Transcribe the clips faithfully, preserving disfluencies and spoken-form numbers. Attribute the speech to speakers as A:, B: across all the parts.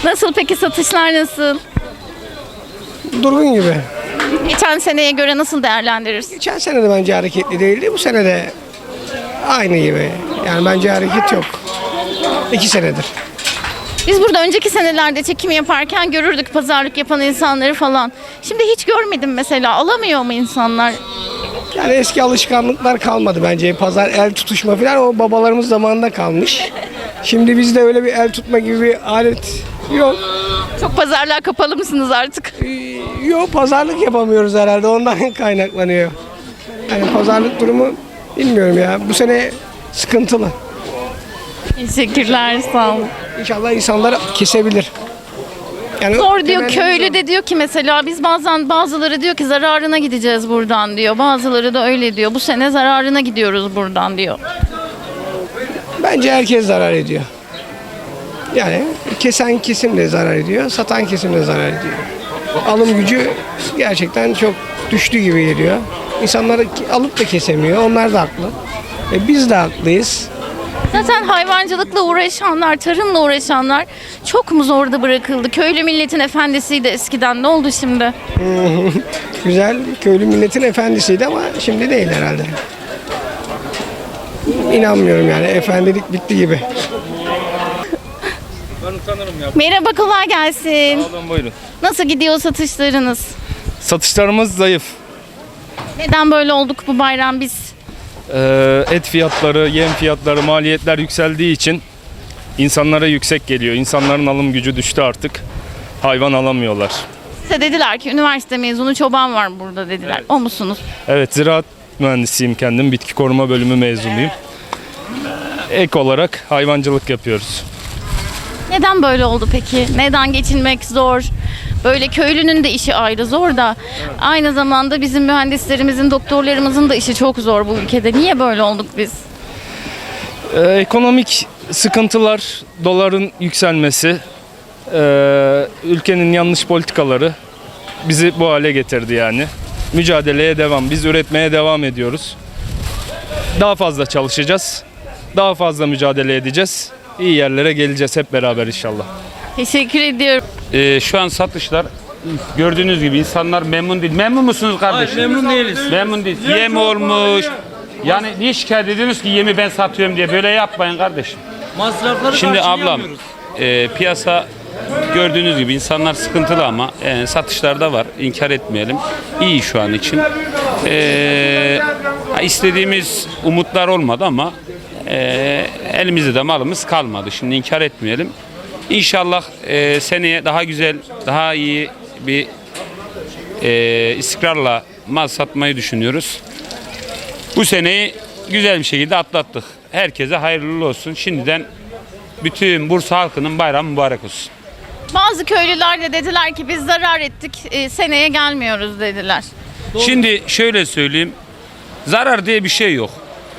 A: Nasıl peki, satışlar nasıl?
B: Durgun gibi.
A: Geçen seneye göre nasıl değerlendirirsin?
B: Geçen sene de bence hareketli değildi. Bu sene de aynı gibi. Yani bence hareket yok. İki senedir.
A: Biz burada önceki senelerde çekim yaparken görürdük pazarlık yapan insanları falan. Şimdi hiç görmedim mesela. Alamıyor mu insanlar?
B: Yani eski alışkanlıklar kalmadı bence. Pazar el tutuşma falan o babalarımız zamanında kalmış. Şimdi bizde öyle bir el tutma gibi bir alet yok.
A: Çok pazarlar kapalı mısınız artık?
B: Ee, Yok, pazarlık yapamıyoruz herhalde. Ondan kaynaklanıyor. Yani pazarlık durumu bilmiyorum ya. Bu sene sıkıntılı.
A: Teşekkürler, sağ olun.
B: İnşallah insanlar kesebilir. Yani
A: Zor diyor,
B: temennimiz
A: köylü
B: o.
A: de diyor ki mesela biz bazen, bazıları diyor ki zararına gideceğiz buradan diyor. Bazıları da öyle diyor. Bu sene zararına gidiyoruz buradan diyor.
B: Bence herkes zarar ediyor. Yani kesen kesim de zarar ediyor, satan kesim de zarar ediyor. Alım gücü gerçekten çok düştü gibi geliyor. İnsanlar alıp da kesemiyor, onlar da haklı. E biz de haklıyız.
A: Zaten hayvancılıkla uğraşanlar, tarımla uğraşanlar çok mu zorda bırakıldı? Köylü milletin efendisiydi eskiden. Ne oldu şimdi?
B: Güzel, köylü milletin efendisiydi ama şimdi değil herhalde. İnanmıyorum yani, efendilik bitti gibi.
C: Ben utanırım ya.
A: Merhaba, kolay gelsin.
C: Sağ olun, buyurun.
A: Nasıl gidiyor satışlarınız?
C: Satışlarımız zayıf.
A: Neden böyle olduk bu bayram biz?
C: Ee, et fiyatları, yem fiyatları, maliyetler yükseldiği için insanlara yüksek geliyor. İnsanların alım gücü düştü artık. Hayvan alamıyorlar.
A: Size dediler ki üniversite mezunu çoban var burada dediler.
C: Evet.
A: O musunuz?
C: Evet, ziraat mühendisiyim kendim. Bitki koruma bölümü mezunuyum. Ek olarak hayvancılık yapıyoruz.
A: Neden böyle oldu peki? Neden geçinmek zor? Böyle köylünün de işi ayrı zor da aynı zamanda bizim mühendislerimizin, doktorlarımızın da işi çok zor bu ülkede. Niye böyle olduk biz?
C: Ee, ekonomik sıkıntılar, doların yükselmesi, ee, ülkenin yanlış politikaları bizi bu hale getirdi yani. Mücadeleye devam, biz üretmeye devam ediyoruz. Daha fazla çalışacağız, daha fazla mücadele edeceğiz. İyi yerlere geleceğiz hep beraber inşallah.
A: Teşekkür ediyorum.
D: Ee, şu an satışlar gördüğünüz gibi insanlar memnun değil. Memnun musunuz kardeşim?
E: Hayır, memnun değiliz.
D: Memnun değil. Yem olmuş. Yani niye şikayet ediyorsunuz ki yemi ben satıyorum diye? Böyle yapmayın kardeşim.
E: Masrafları
D: Şimdi ablam
E: karşılayamıyoruz.
D: e, piyasa gördüğünüz gibi insanlar sıkıntılı ama e, satışlarda var. İnkar etmeyelim. İyi şu an için. E, istediğimiz umutlar olmadı ama e, elimizde de malımız kalmadı. Şimdi inkar etmeyelim. İnşallah e, seneye daha güzel, daha iyi bir e, istikrarla mal satmayı düşünüyoruz. Bu seneyi güzel bir şekilde atlattık. Herkese hayırlı olsun. Şimdiden bütün Bursa halkının bayramı mübarek olsun.
A: Bazı köylüler de dediler ki biz zarar ettik, e, seneye gelmiyoruz dediler.
D: Şimdi şöyle söyleyeyim. Zarar diye bir şey yok.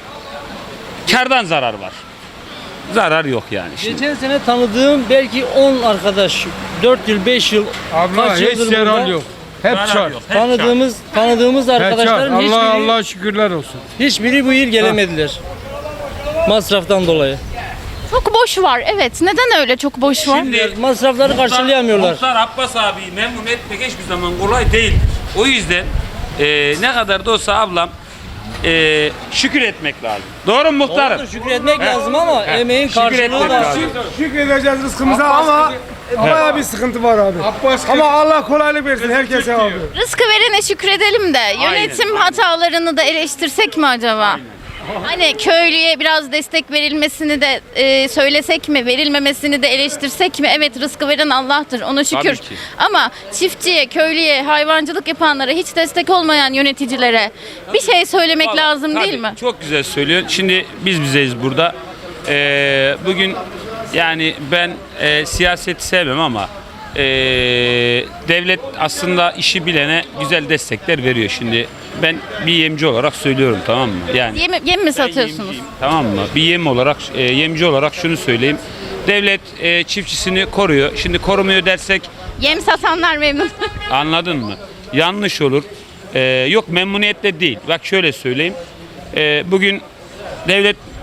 D: Kârdan zarar var. Zarar yok yani. Şimdi.
E: Geçen sene tanıdığım belki on arkadaş, dört yıl, beş yıl,
F: Abla
E: kaç
F: hiç
E: yıldır
F: yarar
E: burada
F: yok. Hep
D: Zarar
F: çar.
D: yok, hep
E: tanıdığımız tanıdığımız
F: Hep çar.
E: arkadaşların
F: Allah
E: hiçbiri,
F: Allah şükürler olsun.
E: hiçbiri bu yıl gelemediler. Masraftan dolayı.
A: Çok boş var, evet. Neden öyle çok boş var?
D: Şimdi
E: Masrafları karşılayamıyorlar.
D: Muhtar Abbas abiyi memnun etmek hiçbir zaman kolay değil. O yüzden e, ne kadar da olsa ablam e, şükür etmek lazım. Doğru mu muhtarım?
E: Doğrudur, şükretmek lazım ama emeğin
D: Şükür
E: karşılığı
D: etmek
E: da.
D: lazım.
F: Şükredeceğiz rızkımıza ama bayağı bir sıkıntı var abi. Ama Allah kolaylık versin herkese abi.
A: Rızkı verene şükredelim de yönetim hatalarını da eleştirsek mi acaba? Hani köylüye biraz destek verilmesini de e, söylesek mi, verilmemesini de eleştirsek mi? Evet, rızkı veren Allah'tır, ona şükür.
D: Tabii ki.
A: Ama çiftçiye, köylüye, hayvancılık yapanlara, hiç destek olmayan yöneticilere bir şey söylemek
D: Vallahi,
A: lazım
D: tabii,
A: değil mi?
D: Çok güzel söylüyor. Şimdi biz bizeyiz burada. Ee, bugün yani ben e, siyaseti sevmem ama e, devlet aslında işi bilene güzel destekler veriyor. Şimdi ben bir yemci olarak söylüyorum, tamam mı? Yani
A: Yem, yem mi
D: ben
A: satıyorsunuz?
D: yemciyim, tamam mı? Bir yem olarak, e, yemci olarak şunu söyleyeyim. Devlet e, çiftçisini koruyor. Şimdi korumuyor dersek
A: Yem satanlar memnun.
D: anladın mı? Yanlış olur. Ee, yok memnuniyetle değil. Bak şöyle söyleyeyim. Ee, bugün devlet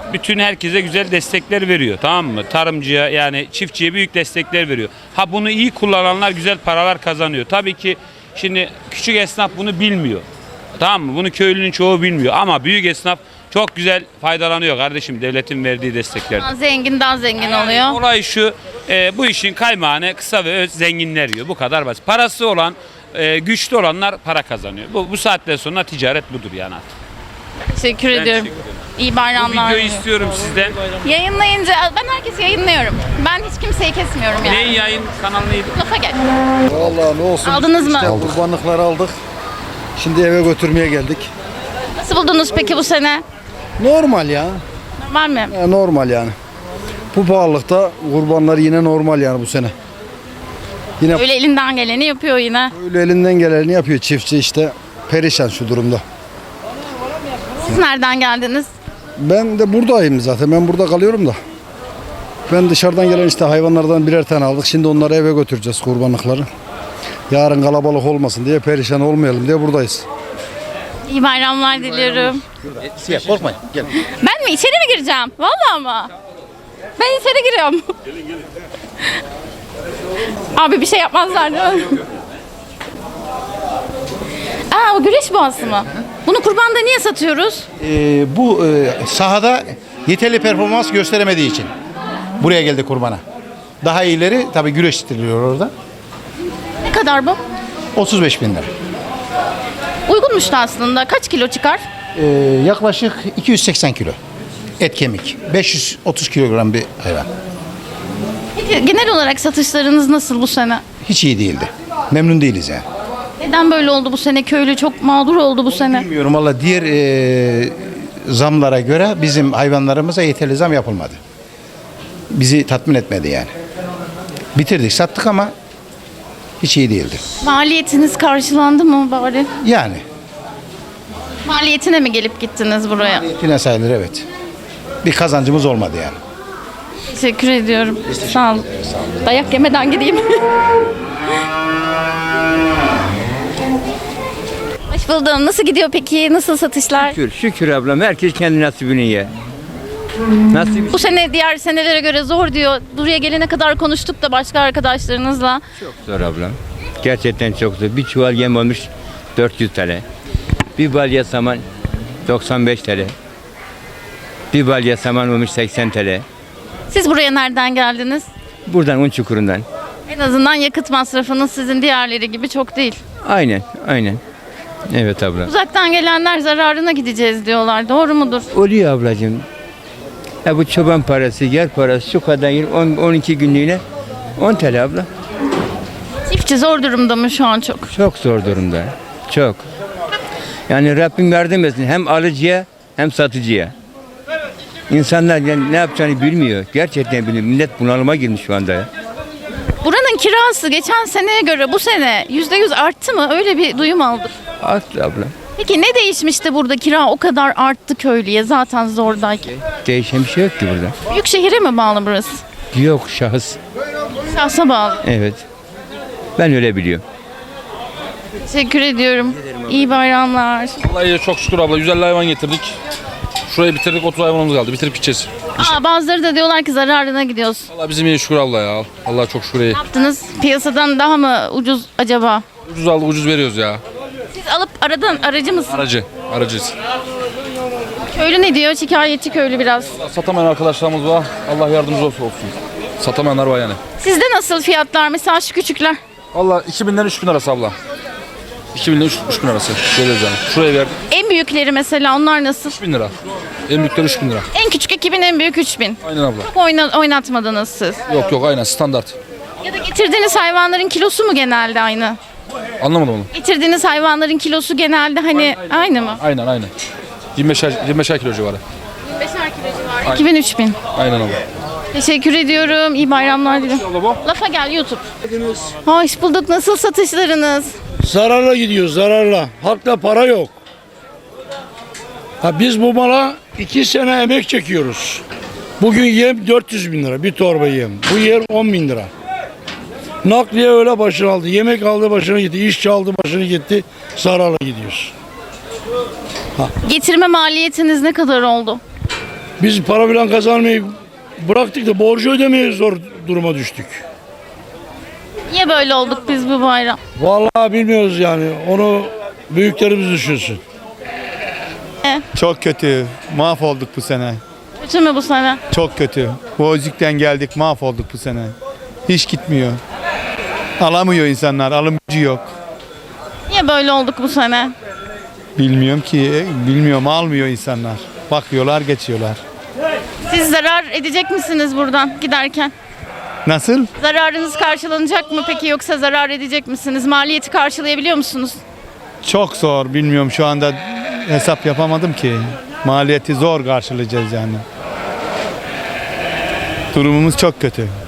D: bütün herkese güzel destekler veriyor, tamam mı? Tarımcıya yani çiftçiye büyük destekler veriyor. Ha bunu iyi kullananlar güzel paralar kazanıyor. Tabii ki şimdi küçük esnaf bunu bilmiyor. Tamam mı? Bunu köylünün çoğu bilmiyor ama büyük esnaf çok güzel faydalanıyor kardeşim devletin verdiği desteklerden.
A: Zengin daha zengin oluyor.
D: Olay şu, e, bu işin kaymağını kısa ve öz zenginler yiyor. Bu kadar basit. Parası olan, e, güçlü olanlar para kazanıyor. Bu, bu saatten sonra ticaret budur yani artık.
A: Teşekkür
D: Ben
A: ediyorum.
D: teşekkür ederim.
A: İyi
D: Bu
A: bayramlar.
D: videoyu
A: diliyorum.
D: istiyorum sizden.
A: Yayınlayınca ben herkesi yayınlıyorum. Ben hiç kimseyi kesmiyorum yani.
D: Neyin yayın kanalı neydi?
A: Lafa gel.
G: Vallahi ne olsun.
A: Aldınız mı?
G: İşte kurbanlıkları aldık. Şimdi eve götürmeye geldik.
A: Nasıl buldunuz peki bu sene?
G: Normal ya.
A: Normal mi?
G: Ya normal yani. Bu pahalılıkta kurbanlar yine normal yani bu sene. Yine
A: Öyle elinden geleni yapıyor yine.
G: öyle elinden geleni yapıyor çiftçi işte. Perişan şu durumda.
A: Siz nereden geldiniz?
G: Ben de buradayım zaten. Ben burada kalıyorum da. Ben dışarıdan gelen işte hayvanlardan birer tane aldık. Şimdi onları eve götüreceğiz kurbanlıkları. Yarın kalabalık olmasın diye, perişan olmayalım diye buradayız.
A: İyi bayramlar diliyorum.
H: Siyah korkmayın. Gel.
A: Ben mi? İçeri mi gireceğim? Vallahi mı? Ben içeri giriyorum. Abi bir şey yapmazlar değil mi? Aa o güreş boğası mı? Bunu kurbanda niye satıyoruz?
H: Ee, bu e, sahada yeterli performans gösteremediği için buraya geldi kurbana. Daha iyileri tabii güreştiriliyor orada.
A: Ne kadar bu?
H: otuz beş bin lira.
A: Uygunmuş da aslında. Kaç kilo çıkar?
H: Ee, yaklaşık iki yüz seksen kilo. Et kemik. beş yüz otuz kilogram bir hayvan.
A: Peki genel olarak satışlarınız nasıl bu sene?
H: Hiç iyi değildi. Memnun değiliz yani.
A: Neden böyle oldu bu sene? Köylü çok mağdur oldu bu sene.
H: Bilmiyorum valla diğer e, zamlara göre bizim hayvanlarımıza yeterli zam yapılmadı. Bizi tatmin etmedi yani. Bitirdik sattık ama hiç iyi değildi.
A: Maliyetiniz karşılandı mı bari?
H: Yani
A: Maliyetine mi gelip gittiniz buraya?
H: yine sayılır evet. Bir kazancımız olmadı yani.
A: Teşekkür ediyorum. Sağ olun. Dayak yemeden gideyim. Hoş buldum. Nasıl gidiyor peki? Nasıl satışlar?
I: Şükür, şükür ablam. Herkes kendi nasibini ye. Nasip
A: Bu sene diğer senelere göre zor diyor. Buraya gelene kadar konuştuk da başka arkadaşlarınızla.
I: çok zor ablam. Gerçekten çok zor. Bir çuval yem olmuş dört yüz T L. Bir balya saman doksan beş T L. Bir balya saman olmuş seksen T L.
A: Siz buraya nereden geldiniz?
I: Buradan un çukurundan.
A: En azından yakıt masrafınız sizin diğerleri gibi çok değil.
I: Aynen, aynen. Evet abla.
A: Uzaktan gelenler zararına gideceğiz diyorlar. Doğru mudur?
I: Oluyor ablacığım. Ya bu çoban parası, yer parası şu kadar yıl on on iki günlüğüne on T L abla.
A: Çiftçi zor durumda mı şu an çok?
I: Çok zor durumda. Çok. Yani Rabbim yardım etsin hem alıcıya hem satıcıya. İnsanlar yani ne yapacağını bilmiyor. Gerçekten bilmiyor. Millet bunalıma girmiş şu anda ya.
A: Buranın kirası geçen seneye göre bu sene yüzde yüz arttı mı? Öyle bir duyum aldık.
I: Arttı abla.
A: Peki ne değişmişti burada kira o kadar arttı köylüye zaten zordayken?
I: Değişen bir şey yok ki burada.
A: Büyük şehire mi bağlı burası?
I: Yok şahıs.
A: Şahsa bağlı.
I: Evet. Ben öyle biliyorum.
A: Teşekkür ediyorum. İyi bayramlar.
J: Vallahi çok şükür abla. yüz elli hayvan getirdik. Şurayı bitirdik, otuz hayvanımız kaldı. Bitirip gideceğiz.
A: Aa, bazıları da diyorlar ki zararına gidiyoruz.
J: Vallahi bizim iyi şükür abla ya. Allah çok şükür iyi.
A: Ne yaptınız? Piyasadan daha mı ucuz acaba?
J: Ucuz aldık, ucuz veriyoruz ya.
A: Siz alıp aradan aracı mısınız?
J: Aracı, aracıyız.
A: Köylü ne diyor? Şikayetçi köylü biraz.
J: Satamayan arkadaşlarımız var. Allah yardımcımız olsun. olsun. Satamayanlar var yani.
A: Sizde nasıl fiyatlar? Mesela şu küçükler.
J: Vallahi iki binden üç bin arası abla. iki binden üç bin arası. Veriyoruz yani. Şuraya verdik
A: En büyükleri mesela onlar nasıl?
J: üç bin lira. En büyükleri üç bin lira.
A: En küçük iki bin, en büyük üç bin.
J: Aynen abla.
A: Çok oyna, oynatmadınız siz.
J: Yok yok aynen standart.
A: Ya da getirdiğiniz hayvanların kilosu mu genelde aynı?
J: Anlamadım onu.
A: Getirdiğiniz hayvanların kilosu genelde hani aynı mı?
J: Aynen aynen. yirmi beşer, yirmi beşer kilo civarı.
A: beşer kilo civarı. iki bin üç bin.
J: Aynen abla.
A: Teşekkür ediyorum. İyi bayramlar dilerim.
J: Abla bu.
A: Lafa gel YouTube. Hoş bulduk. Nasıl satışlarınız?
F: Zararla gidiyor, zararla. Halkta para yok. Ha, biz bu mala iki sene emek çekiyoruz. Bugün yem dört yüz bin lira, bir torba yem. Bu yer on bin lira. Nakliye öyle başını aldı, yemek aldı başını gitti, işçi aldı başını gitti, zararla gidiyoruz.
A: Getirme maliyetiniz ne kadar oldu?
F: Biz para bilen kazanmayı bıraktık da borcu ödemeye zor duruma düştük.
A: Niye böyle olduk biz bu bayram?
F: Vallahi bilmiyoruz yani. Onu büyüklerimiz düşünsün.
K: Çok kötü. Mahvolduk bu sene.
A: Kötü mü bu sene?
K: Çok kötü. Bozük'ten geldik, mahvolduk bu sene. Hiç gitmiyor. Alamıyor insanlar, alım gücü yok.
A: Niye böyle olduk bu sene?
K: Bilmiyorum ki, bilmiyorum, almıyor insanlar. Bakıyorlar, geçiyorlar.
A: Siz zarar edecek misiniz buradan giderken?
K: Nasıl?
A: Zararınız karşılanacak mı peki yoksa zarar edecek misiniz? Maliyeti karşılayabiliyor musunuz?
K: Çok zor, bilmiyorum şu anda hesap yapamadım ki. Maliyeti zor karşılayacağız yani. Durumumuz çok kötü.